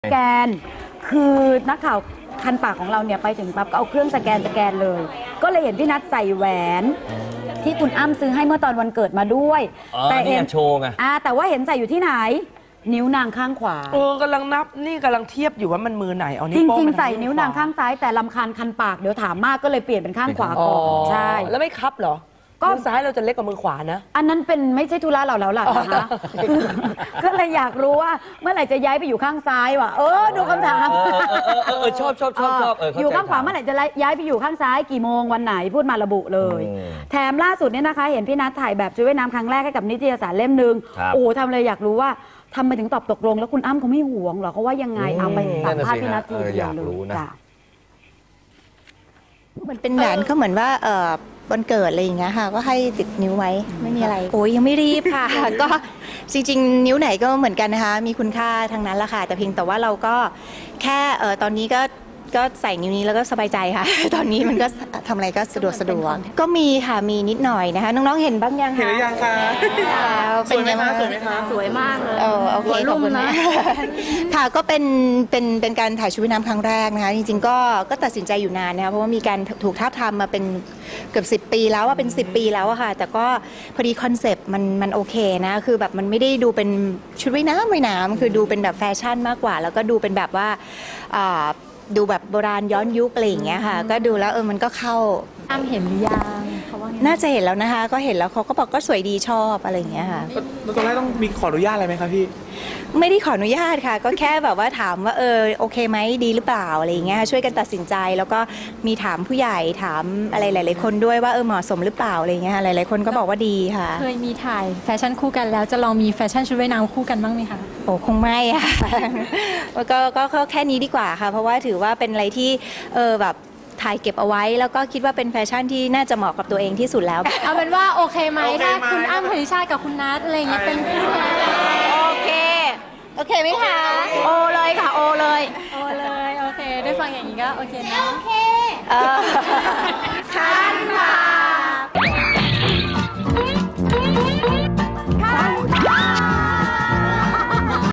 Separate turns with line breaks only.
สแกนคือนักข่าวคันปากของเราเนี่ยไปถึงปั๊บก็เอาเครื่องสแกนเลย ก็เลยเห็นพี่นัทใส่แหวนที่คุณอ้ำซื้อให้เมื่อตอนวันเกิดมาด้วย
แต่เห็นโชว์ไง
แต่ว่าเห็นใส่อยู่ที่ไหนนิ้วนางข้างขวาก
ำลังนับนี่กำลังเทียบอยู่ว่ามันมือไหนเอา
นิ้วจริงๆใส่นิ้วนางข้างซ้ายแต่ลำคาญคันปากเดี๋ยวถามมากก็เลยเปลี่ยนเป็นข้างขวาก่อนใช่
แล้วไม่คับเหรอมือซ้ายเราจะเล็กกว่ามือขวานะ
อันนั้นเป็นไม่ใช่ธุระเราแล้วล่ะนะคะก็เลยอยากรู้ว่าเมื่อไหร่จะย้ายไปอยู่ข้างซ้ายวะดูคำถาม
ชอบ
อยู่ข้างขวาเมื่อไหร่จะย้ายไปอยู่ข้างซ้ายกี่โมงวันไหนพูดมาระบุเลยแถมล่าสุดเนี่ยนะคะเห็นพี่นัทถ่ายแบบชุดว่ายน้ำครั้งแรกให้กับนิตยสารเล่มนึงทำเลยอยากรู้ว่าทำไปถึงตอบตกลงแล้วคุณอ้ำเขาไม่หวงหรอเขาว่ายังไงเอาไปสัมภาษณ์พี่นัททีเดียวเลยจ้ะ
มันเป็นแหวนก็เหมือนว่าวันเกิดอะไรอย่างเงี้ยค่ะก็ให้ติดนิ้วไว้ไม่มีอะไรโอ้ยยังไม่รีบค่ะ ก็จริงๆนิ้วไหนก็เหมือนกันนะคะมีคุณค่าทั้งนั้นละค่ะแต่เพียงแต่ว่าเราก็แค่ตอนนี้ก็ใส่นิ้วนี้แล้วก็สบายใจค่ะ ตอนนี้มันก็ทำอะไรก็สะดวกก็มีค่ะมีนิดหน่อยนะคะน้องๆเห็นบ้างยังคะ
เห็นหรือยังคะ
เป็นไงบ้าง
สวยไหมคะ
สวยมากเลย
โอเคขอบคุณนะค่ะก็เป็นการถ่ายชุดว่ายน้ำครั้งแรกนะคะจริงๆก็ตัดสินใจอยู่นานนะคะเพราะว่ามีการถูกทาบทามมาเป็นเกือบ10 ปีแล้วว่าเป็น10 ปีแล้วอะค่ะแต่ก็พอดีคอนเซปต์มันโอเคนะคือแบบมันไม่ได้ดูเป็นชุดว่ายน้ำคือดูเป็นแบบแฟชั่นมากกว่าแล้วก็ดูเป็นแบบว่าดูแบบโบราณย้อนยุคอะไรอย่างเงี้ยค่ะก็ดูแล้วมันก็เข้า
อ้ำเห็นหรือยังเขาว่า
น่าจะเห็นแล้วนะคะก็เห็นแล้วเขาก็บอกก็สวยดีชอบอะไรอย่างเงี้ยค่ะ
ตอนแรกต้องมีขออนุญาตอะไรไหมคะพี่
ไม่ได้ขออนุญาตค่ะก็แค่แบบว่าถามว่าโอเคไหมดีหรือเปล่าอะไรอย่างเงี้ยช่วยกันตัดสินใจแล้วก็มีถามผู้ใหญ่ถามอะไรหลายๆคนด้วยว่าเหมาะสมหรือเปล่าอะไรอย่างเงี้ยหลายๆคนก็บอกว่าดีค่ะ
เคยมีถ่ายแฟชั่นคู่กันแล้วจะลองมีแฟชั่นชุดว่ายน้ำคู่กันบ้างไหมคะ
โอ้คงไม่ค่ะก็แค่นี้ดีกว่าค่ะเพราะว่าถือว่าเป็นอะไรที่แบบถ่ายเก็บเอาไว้แล้วก็คิดว่าเป็นแฟชั่นที่น่าจะเหมาะกับตัวเองที่สุดแล้ว
เอาเป็นว่าโอเคไหมถ้าคุณอ้ำพันธิชาติกับคุณนัทอะไรอย่างเงี้ยเป็นคู่กัน
โอเคไหมคะ
โอเลยค่ะโอเลย
โอเคได้ฟังอย่างนี้ก็โอเคนะ
ค่ะ